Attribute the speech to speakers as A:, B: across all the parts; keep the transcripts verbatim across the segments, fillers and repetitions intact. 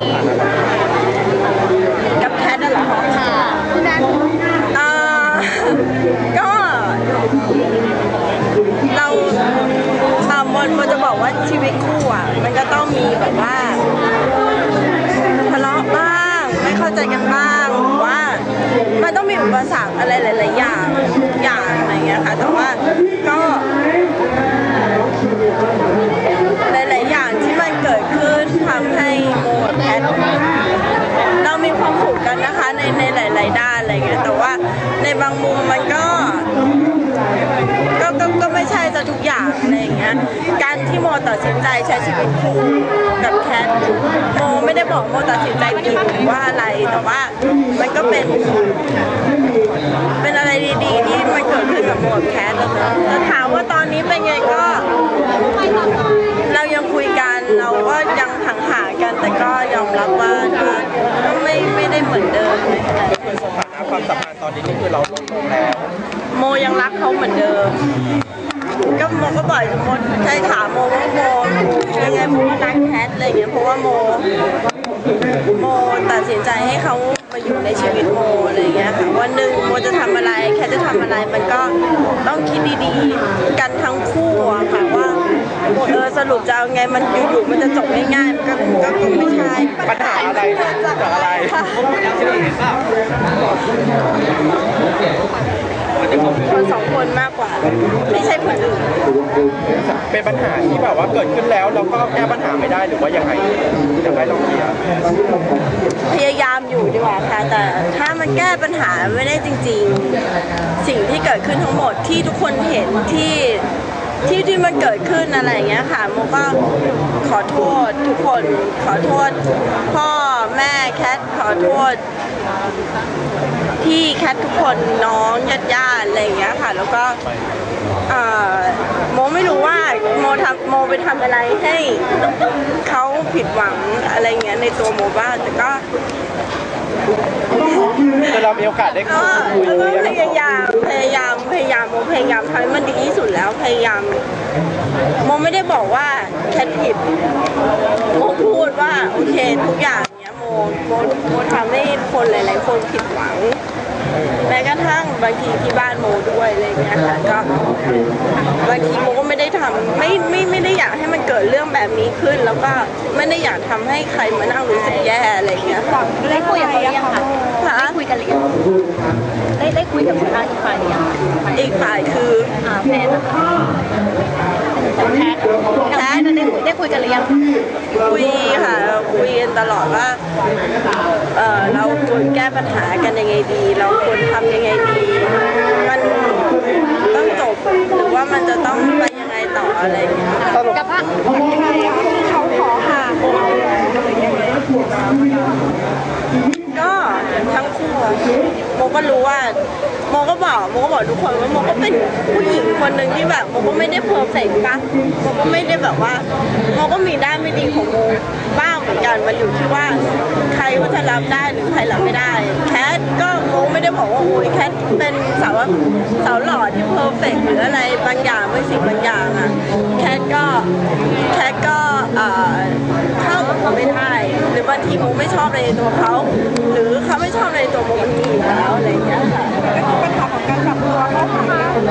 A: กับแคทน่ะเหรอค่ะคุณนัทอ่าก็เราอ่าโมโมจะบอกว่าชีวิตคู่อ่ะมันก็ต้องมีแบบว่าทะเลาะบ้างไม่เข้าใจกันบ้างหรือว่ามันต้องมีอุปสรรคอะไรหลายๆอย่างอย่างอะไรเงี้ยค่ะแต่ว่าก็หลายๆอย่างที่มันเกิดขึ้นทำให้โมกับแพทเรามีความสุขกันนะคะในในหลายๆด้านอะไรเงี้ยแต่ว่าในบางมุมมันก็ก็ก็ก็ไม่ใช่จะทุกอย่างอะไรอย่างเงี้ยการที่โมตัดสินใจใช้ชีวิตคู่กับแคทโมไม่ได้บอกโมตัดสินใจผิดหรือว่าอะไรแต่ว่ามันก็เป็นเป็นอะไรดีๆที่มันเกิดขึ้นกับโมกับแคทนะคะจะถามว่าตอนนี้เป็นไงก็เรายังคุยกันเราก็ยังห่างๆกันแต่ก็ยอมรับว่าก็ไม่ไม่ได้เหมือนเดิมในขณะที่
B: สถานะความสัมพันธ์ตอนนี้นี่คือเราลดลงแล้ว
A: โมยังรักเขาเหมือนเดิมก็โมก็บ่อยโมใช้ถามโมว่าโมยังไงโมก็รักแคทอะไรอย่างเงี้ยเพราะว่าโมโมตัดสินใจให้เขามาอยู่ในชีวิตโมอะไรอย่างเงี้ยค่ะวันหนึ่งโมจะทำอะไรแคทจะทำอะไรมันก็ต้องคิดดีๆกันทั้งคู่อะค่ะว่าเออสรุปจะเอาไงมันอยู่ๆมันจะจบง่ายๆมันก็ก็คงไม่ใช่
B: ปัญหาอะไรจากอะไร
A: คนสองคนมากกว่าไม่ใช่คนอื่น
B: เป็นปัญหาที่แบบว่าเกิดขึ้นแล้วเราก็แก้ปัญหาไม่ได้หรือว่ายังไงอยากให้ลองเคลียร์
A: พยายามอยู่ดีกว่าค่ะแต่ถ้ามันแก้ปัญหาไม่ได้จริงๆสิ่งที่เกิดขึ้นทั้งหมดที่ทุกคนเห็นที่ที่ที่มันเกิดขึ้นอะไรอย่างเงี้ยค่ะโมก็ขอโทษทุกคนขอโทษพ่อแม่แคทขอโทษพี่แคททุกคนน้องญาติญาติอะไรอย่างเงี้ยค่ะแล้วก็โมไม่รู้ว่าโมทำโมไปทำอะไรให้เขาผิดหวังอะไรเงี้ยในตัวโมบ้างแต่ก็
B: เรามีโอกาสได้คุย
A: พยายามพยายามพยายามโมพยายามทำให้มันดีที่สุดแล้วพยายามโมไม่ได้บอกว่าแคทผิดโมพูดว่าโอเคทุกอย่างเนี้ยโมโมโมทำให้คนหลายๆคนผิดหวังแม้กระทั่งบางทีที่บ้านโมด้วยอะไรเงี้ยค่ะก็บางทีโมก็ไม่ได้ทำไม่ไม่ไม่ได้อยากให้มันเกิดเรื่องแบบนี้ขึ้นแล้วก็ไม่ได้อยากทำให้ใครมานั่งรู้สึกแย่อะไรเงี้ย
C: ได้คุยกับเขาหรือยังคะได้คุยกันหรือยังได้ได้คุยกับทางอีกฝ่ายหรือยัง
A: อีกฝ่ายคือ
C: อ่าแฟนนะคะแพทแพทได้ได้คุยกันหรือยัง
A: คุยค่ะคุยกันตลอดว่าเออเราควรแก้ปัญหากันยังไงดีเราควรทำยังไงดีมันต้องจบหรือว่ามันจะต้องไปยังไงต่ออะไรอย่างเงี้ย
C: กับว่า
A: เขาขอห่างก็ทั้งคู่โมก็รู้ว่าโมก็บอกโมก็บอกทุกคนว่าโมก็เป็นผู้หญิงคนหนึ่งที่แบบโมก็ไม่ได้เพอร์เฟกต์นะโมก็ไม่ได้แบบว่าโมก็มีด้านไม่ดีของโมบ้างเหมือนกันมันอยู่ที่ว่าใครว่าจะรับได้หรือใครรับไม่ได้แคทก็โมไม่ได้บอกว่าโอ้ยแคทเป็นสาวสาวหล่อที่เพอร์เฟกต์หรืออะไรบางอย่างบางสิ่งบางอย่างอะแคทก็แคทก็เข้ากับเขาไม่ได้หรือบางทีโมไม่ชอบในตัวเขาหรือเขาไม่ชอบในตัวโมมันมีอยู่แล้วอะไรอย่างเงี้ยค่ะก็คือปัญหาของการปรับตัวเข้าหากัน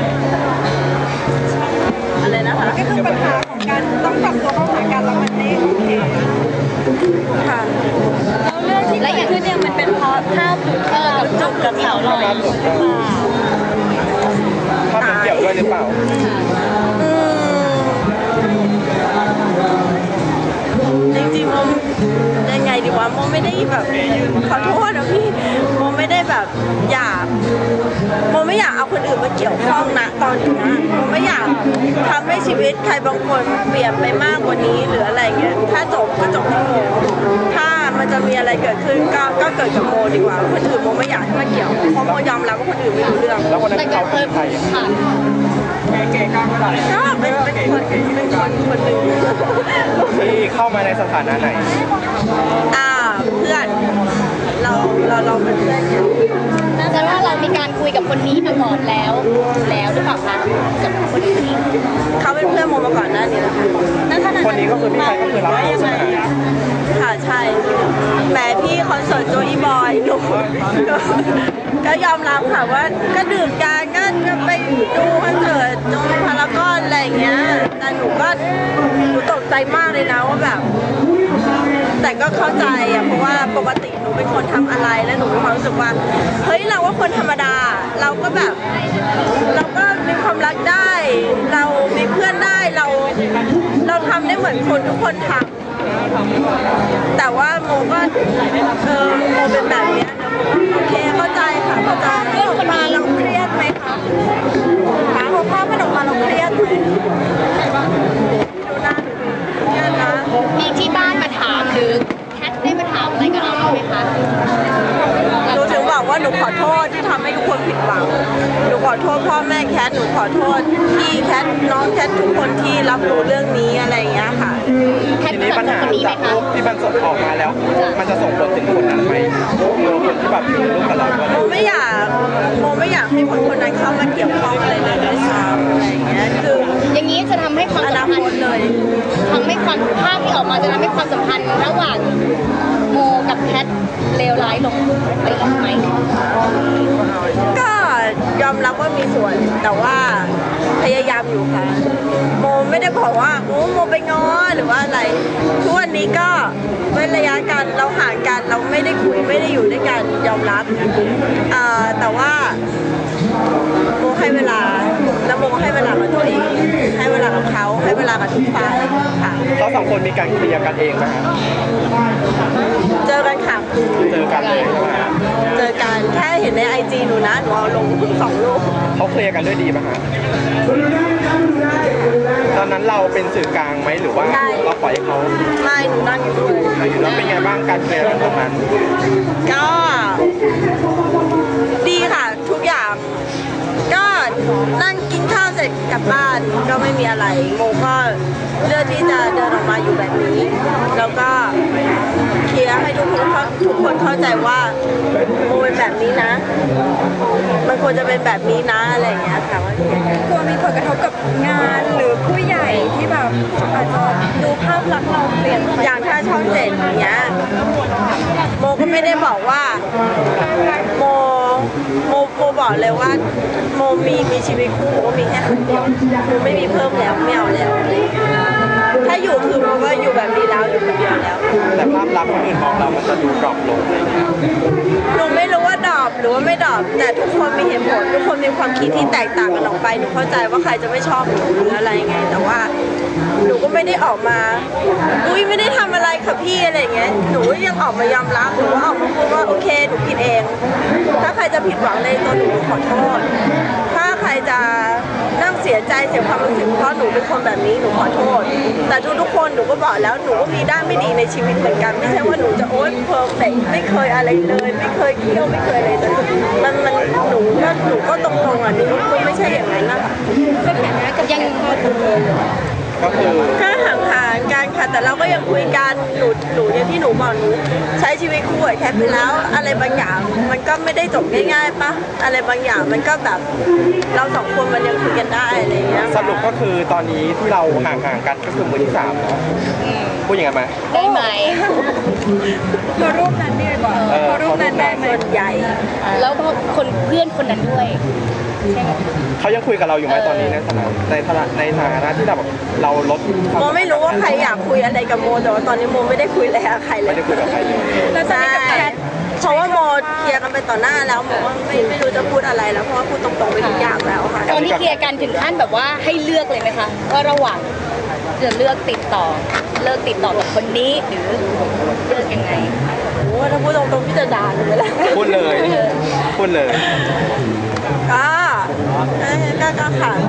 A: อะไรนะคะก็คือปัญหาของการต้องปรับตัวเข้าหากันแล้วมันไม่โอเคค่ะ
C: แล้วเรื่องที่และอย่างที่เนี่ยมันเป็นเพราะภาพเออกับจุกกับเสาลอยหรือเปล่า
B: ภาพมันเกี่ยวด้วยหรือเปล่า
A: จริงๆโมยังไงดีวะโมไม่ได้แบบขอโทษนะพี่โมไม่ได้แบบอยากโมไม่อยากเอาคนอื่นมาเกี่ยวข้องนะตอนนี้โมไม่อยากทำให้ชีวิตใครบางคนเปลี่ยนไปมากกว่านี้หรืออะไรเงี้ยถ้าจบก็จบที่โมถ้ามันจะมีอะไรเกิดขึ้นก็ก็เกิดกับโมดีกว่าคนอื่นโมไม่อยากให้มาเกี่ยวเพราะโมยอมรับว่าคนอื่นไม่รู้เรื่อง
B: แล้วคนนั้นเขาเป็นใคร
C: ค่ะ
A: ก็เป็นเป็นคนเป็นคนคนหนึ่ง
B: ที่เข้ามาในสถานะไหน
A: อ่าเพื่อนเราเราเราเป็นเพื่อนกัน
C: น่าจะว่าเรามีการคุยกับคนนี้มาก่อนแล้วแล้วหรือเปล่าคะกับคนอื่น
A: เขาเป็นเพื่อนโมมาก่อนหน้านี้แล้วค่ะ
B: คนนี้ก็คือพี่ชายก็คือรับ
A: ยังไงค่ะใใช่แหมพี่คอนเสิร์ตโจอีบอยหนูก็ยอมรับค่ะว่าก็ดื่มกันก็ก็ไปดูคอนเสิร์ตโจพารากอนอะไรอย่างเงี้ยแต่หนูก็หนูตกใจมากเลยนะว่าแบบ แต่ก็เข้าใจอะเพราะว่าปกติหนูเป็นคนทำอะไรแล้วหนูมีความรู้สึกว่าเฮ้ยเราว่าคนธรรมดาเราก็แบบ เราก็มีความรักได้ เรามีเพื่อนได้เราเราทำได้เหมือนคนทุกคนทำแต่ว่าโมก็เออโมเป็นแบบเนี้ยนะโอเคเข้าใจค่ะเข้าใจเรื่องคนมาเราเครียดไหมคะหาหัวข้อมันออกมาเราเครียดไหมดูหน้าเครียดนะ
C: มีที่บ้านมาถามหรือแคทได้มาถามอะไรกับเราบ้างไหมคะ
A: หนูถึงบอกว่าหนูขอโทษที่ทำให้ทุกคนผิดหวัง หนูขอโทษพ่อแม่แคท หนูขอโทษพี่แคทน้องแคททุกคนที่รับรู้เรื่องนี้อะไรอย่างเงี้ยค่ะ
C: แคท
B: ที
C: เกิ
B: นี้
C: ด
B: ปัญ
C: จาก
B: หา
C: คนนี้ไหม
B: จาก
C: คะ
B: รูปที่มันส่งออกมาแล้ว มันจะส่งผลถึงคนนั้นไหมคนที่แบบอยู่ในรูปกับเราด้วย
A: โมไม่อยากโมไม่อยากให้คนคนนั้นเข้ามาเกี่ยวข้องอะไรเลยด้วยซ้ำอะไรอย่างเงี้ย คือ
C: อย่างนี้จะทำให้ความ
A: อ
C: สั
A: นาม
C: พัน
A: คต
C: ธ์
A: เลย
C: ทำให้ความภาพที่ออกมาจะทำให้ความสัมพันธ์ระหว่างโมกับแคทเลวร้ายลงไปอีกไหม
A: ก็ยอมรับว่ามีส่วน แต่ว่าพยายามอยู่ค่ะ โมไม่ได้บอกว่าโอ้โมไปง้อหรือว่าอะไร ทุกวันนี้ก็เว้นระยะกันเราห่างกันเราไม่ได้คุยไม่ได้อยู่ด้วยกันยอมรับอ่าแต่ว่าโมให้เวลาแล้วโมให้เวลากับตัวเอง ให้เวลากับเขาให้เวลากับทุกฝ่ายค่ะ
B: เขาสองคนมีการเคลียร์กันเองไหมครับ
A: เจอกันค่ะ
B: เจอกันเลยใช่ไหมครับ
A: เจอกันแค่เห็นในไอจีหนูนะหนูเอาลงเพิ่งสองรูป
B: เขาเคลียร์กันด้วยดีไหมครับตอนนั้นเราเป็นสื่อกลางไหมหรือว่าเราปล่อยให้เขา
A: ไม่หนูนั่งอยู่ด้วย
B: อยู่แล้วเป็นไงบ้างการเคลียร์กันตรงนั้น
A: ก็ดีค่ะทุกอย่าง ก็นั่งกินข้าวเสร็จกลับบ้านก็ไม่มีอะไรโมก็เลือกที่จะเดินออกมาอยู่แบบนี้ แล้วก็เคลียร์ให้ทุกคนเข้าทุกคนเข้าใจว่าโมเป็นแบบนี้นะ มันควรจะเป็นแบบนี้นะอะไรอย่างเงี้ยค่ะว่าก
D: ลัวมีผลกระทบกับงานหรือผู้ใหญ่ที่แบบอาจจะดูภาพลักษณ์เราเปลี่ยนไป
A: อย่างถ้าช่องเจ็ดอย่างเงี้ยโมก็ไม่ได้บอกว่าโมโมโมบอกเลยว่าโมมีมีชีวิตคู่โมก็มีแค่คนเดียวโมไม่มีเพิ่มแล้วไม่เอาแล้วอะไรอย่างเงี้ยถ้าอยู่คือโมก็อยู่แบบนี้แล้วอยู่คนเดียวแล้ว
B: แต่ภาพลักษณ์คนอื่นมองเรามันจะดูดรอปลงอะไรอย่างเงี้ย
A: หนูไม่รู้ว่าดรอปหรือว่าไม่ดรอปแต่ทุกคนมีเหตุผลทุกคนมีความคิดที่แตกต่างกันออกไปหนูเข้าใจว่าใครจะไม่ชอบหนูหรืออะไรไง แต่ว่าหนูก็ไม่ได้ออกมาอุ้ยไม่ได้ทำอะไรค่ะพี่อะไรอย่างเงี้ยหนูยังออกมายอมรับหนูว่าออกมาพูดว่าโอเคหนูผิดเอง ถ้าใครจะผิดหวังในตัวหนูขอโทษ ถ้าใครจะนั่งเสียใจเสียความรู้สึกเพราะหนูเป็นคนแบบนี้หนูขอโทษ แต่ทุกๆคนหนูก็บอกแล้วหนูก็มีด้านไม่ดีในชีวิตเหมือนกัน ไม่ใช่ว่าหนูจะโอ๊ยเพอร์เฟกไม่เคยอะไรเลย ไม่เคยเที่ยวไม่เคยอะไรเลยมันมันหนูก็หนูก็ตรงๆอ่ะหนูก็ไม่ใช่อย่างนั้นนะคะ
D: สถานะกับ
C: ยัง
B: ก็คือ
A: แค่ห่างๆกันค่ะแต่เราก็ยังคุยกันหนูหนูอย่างที่หนูบอกหนูใช้ชีวิตคู่กับแคทไปแล้วอะไรบางอย่างมันก็ไม่ได้จบง่ายๆปะอะไรบางอย่างมันก็แบบเราสองคนมันยังคุยกันได้อะไรอย่างเงี้ย
B: สรุปก็คือตอนนี้ที่เราห่างๆกันก็คือมือที่สามเนาะพูดอย่างนั้นไหม
C: ได้ไหม
D: พอรูปนั้นดีกว่า
B: เออ
D: พอรูปนั้นได้ไหม
A: ส่วนใหญ่
C: แล้วก็คนเพื่อนคนนั้นด้วยใช่ไหม
B: เขายังคุยกับเราอยู่ไหมตอนนี้ในฐานะในฐานะในฐานะที่แบบเราลดควา
A: โมไม่รู้ว่าใครอยากคุยอะไรกับโมแต่ว่าตอนนี้โมไม่ได้คุยอะไรกับใครเล
B: ไม่
A: ย
B: ได้คุยกับใครเลย
D: แล้วตอน
A: ใช่
D: นี้กับแคท
A: เพราะว่าโมเคลียร์กันไปต่อหน้าแล้วโมว่าไม่ไม่รู้จะพูดอะไรแล้วเพราะว่าพูดตรงๆไปทุกอย่างแล้วค่ะ
C: ตอนที่เคลียร์กันถึงขั้นแบบว่าให้เลือกเลยไหมคะว่าระหว่างจะเลือกติดต่อเลิกติดต่อกับคนนี้หรือเลือกยังไง
A: โอ้ถ้าพูดตรงๆพี่จะด่าหนูไปแล้ว
B: พูดเลยพูดเลย
A: ก็เอ้ยก็ก็ค่ะก็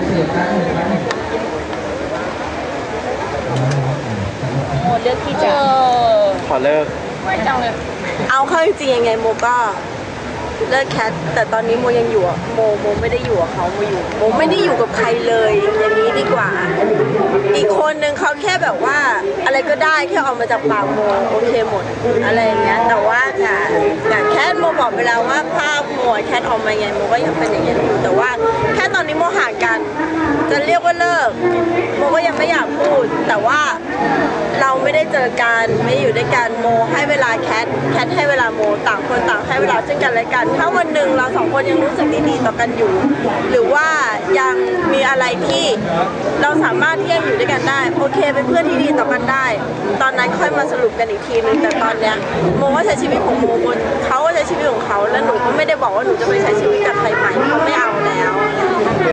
C: โมเลือกที่จะ
B: ขอเลิก
C: ไม่จังเลย
A: เอาเข้าจริงๆยังไงโมก็เลิกแคทแต่ตอนนี้โมยังอยู่อะโมโมไม่ได้อยู่กับเขาโมอยู่โมไม่ได้อยู่กับใครเลยอย่างนี้ดีกว่า อีกคนนึงเขาแค่แบบว่าอะไรก็ได้แค่ออกมาจากปากโมโอเคหมดอะไรอย่างเงี้ยแต่ว่าแต่แต่แค่โมบบอกไปแล้วว่าภาพโมแคทออกมาไงโมก็ยังเป็นอย่างนี้อยู่แต่ว่าแค่ตอนนี้โมห่างกันจะเรียกว่าเลิกโมก็ยังไม่อยากพูดแต่ว่าเราไม่ได้เจอกันไม่อยู่ด้วยกันโมให้เวลาแคทแคทให้เวลาโมต่างคนต่างให้เวลาซึ่งกันและกันถ้าวันหนึ่งเราสองคนยังรู้สึกดีๆต่อกันอยู่ หรือว่ายังมีอะไรที่เราสามารถที่จะอยู่ด้วยกันได้โอเคเป็นเพื่อนที่ดีต่อกันได้ ตอนนั้นค่อยมาสรุปกันอีกทีนึงแต่ตอนเนี้ยโมก็ใช้ชีวิตของโมบนเขาก็ใช้ชีวิตของเขาแล้วหนูก็ไม่ได้บอกว่าหนูจะไปใช้ชีวิตกับใครใหม่เขาไม่เอาแล้ว